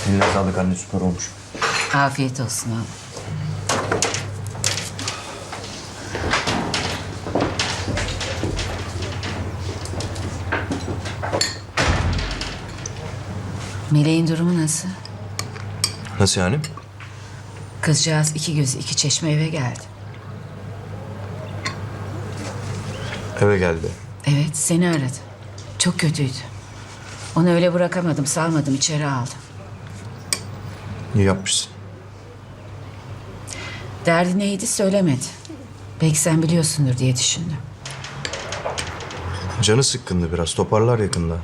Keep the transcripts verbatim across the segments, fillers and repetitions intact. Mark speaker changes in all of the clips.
Speaker 1: Eline sağlık anne, süper olmuş.
Speaker 2: Afiyet olsun oğlum. Meleğin durumu nasıl?
Speaker 1: Nasıl yani?
Speaker 2: Kızcağız iki göz iki çeşme eve geldi.
Speaker 1: Eve geldi.
Speaker 2: Evet, seni aradı. Çok kötüydü. Onu öyle bırakamadım, salmadım, içeri aldım.
Speaker 1: İyi yapmışsın.
Speaker 2: Derdi neydi söylemedi. Belki sen biliyorsundur diye düşündüm.
Speaker 1: Canı sıkkındı biraz, toparlar yakında.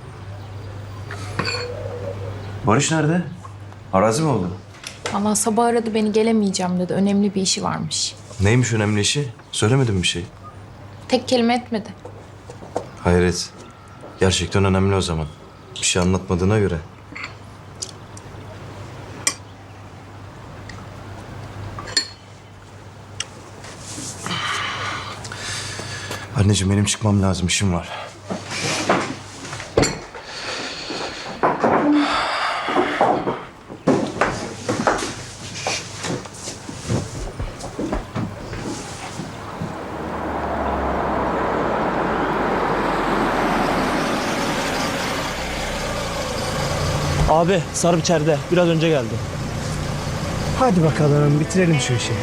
Speaker 1: Barış nerede? Arazi mi oldu?
Speaker 3: Valla sabah aradı beni, gelemeyeceğim dedi. Önemli bir işi varmış.
Speaker 1: Neymiş önemli işi? Söylemedim bir şey.
Speaker 3: Tek kelime etmedi.
Speaker 1: Hayret. Gerçekten önemli o zaman. Bir şey anlatmadığına göre. Anneciğim benim çıkmam lazım, işim var.
Speaker 4: Abi Sarp içeride. Biraz önce geldi.
Speaker 5: Hadi bakalım bitirelim şu işi.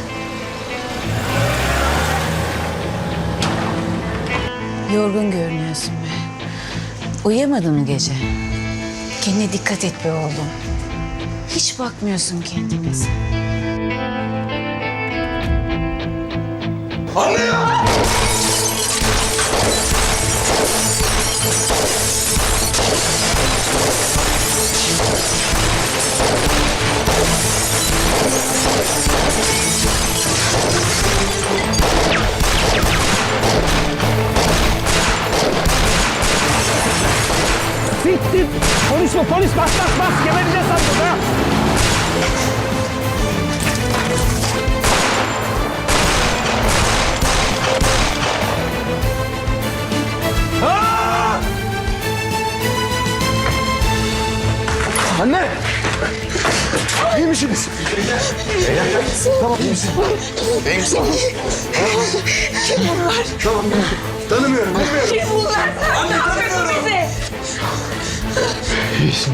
Speaker 2: Yorgun görünüyorsun be. Uyuyamadın mı gece? Kendine dikkat et be oğlum. Hiç bakmıyorsun kendine sen.
Speaker 4: Siktir! Polis mi? Polis! Bas bas bas! Gebereceğiz sandım ha! Aa!
Speaker 5: Anne! İyi misiniz? Tamam, iyi misin? İyi misin?
Speaker 6: Kim bunlar?
Speaker 5: Tamam, tanımıyorum, tanımıyorum.
Speaker 6: Kim bunlar? Sen ne yapıyorsun bize?
Speaker 5: İyisin.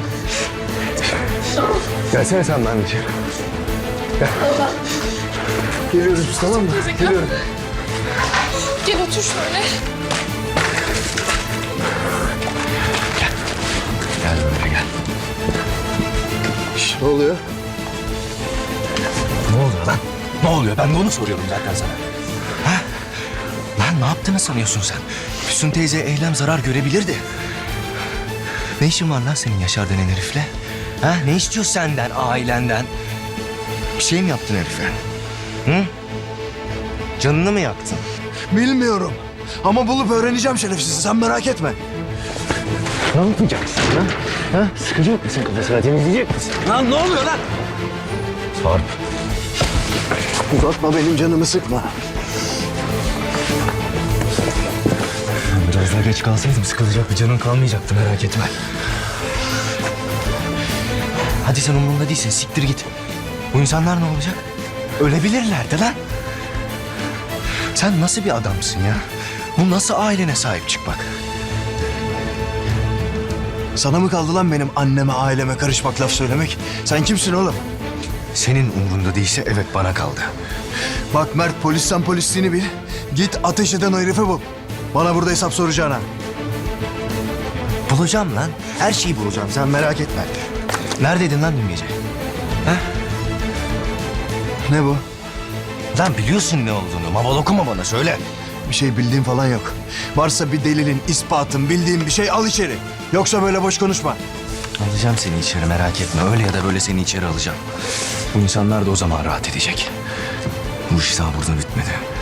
Speaker 5: Gelsene sen de anneciğim. Gel. Geliyoruz biz, tamam mı? Geliyorum.
Speaker 3: Gel otur şöyle.
Speaker 1: Gel böyle gel.
Speaker 5: Şş, ne oluyor?
Speaker 7: Ne oluyor lan? Ne oluyor? Ben de onu soruyorum zaten sana. Ha? Lan ne yaptığını sanıyorsun sen? Füsun teyze Eylem zarar görebilirdi. Ne işin var lan senin Yaşar denen herifle? Ha? Ne istiyor senden, ailenden? Bir şey mi yaptın herife? Hı? Canını mı yaktın?
Speaker 5: Bilmiyorum. Ama bulup öğreneceğim şerefsizi, sen merak etme.
Speaker 4: Ne yapacaksın lan? Ha? Sıkacak mısın kafasına? Temizleyecek misin?
Speaker 7: Lan ne oluyor lan?
Speaker 5: Sarp. Uzatma, benim canımı sıkma.
Speaker 7: Biraz daha geç kalsaydım sıkılacak bir canın kalmayacaktı, merak etme. Hadi sen umurumda değilsin, siktir git. Bu insanlar ne olacak? Ölebilirlerdi lan. Sen nasıl bir adamsın ya? Bu nasıl ailene sahip çıkmak?
Speaker 5: Sana mı kaldı lan benim anneme, aileme karışmak, laf söylemek? Sen kimsin oğlum?
Speaker 7: Senin umrunda değilse evet bana kaldı.
Speaker 5: Bak Mert, polisten polisliğini bil. Git ateş eden o herifi bul. Bana burada hesap soracağına.
Speaker 7: Bulacağım lan. Her şeyi bulacağım. Sen merak etme. Neredeydin lan dün gece? Ha?
Speaker 5: Ne bu?
Speaker 7: Lan biliyorsun ne olduğunu. Maval okuma bana söyle.
Speaker 5: Bir şey bildiğin falan yok. Varsa bir delilin, ispatın, bildiğin bir şey al içeri. Yoksa böyle boş konuşma.
Speaker 7: Alacağım seni içeri, merak etme. Öyle ya da böyle seni içeri alacağım. Bu insanlar da o zaman rahat edecek. Bu iş daha burada bitmedi.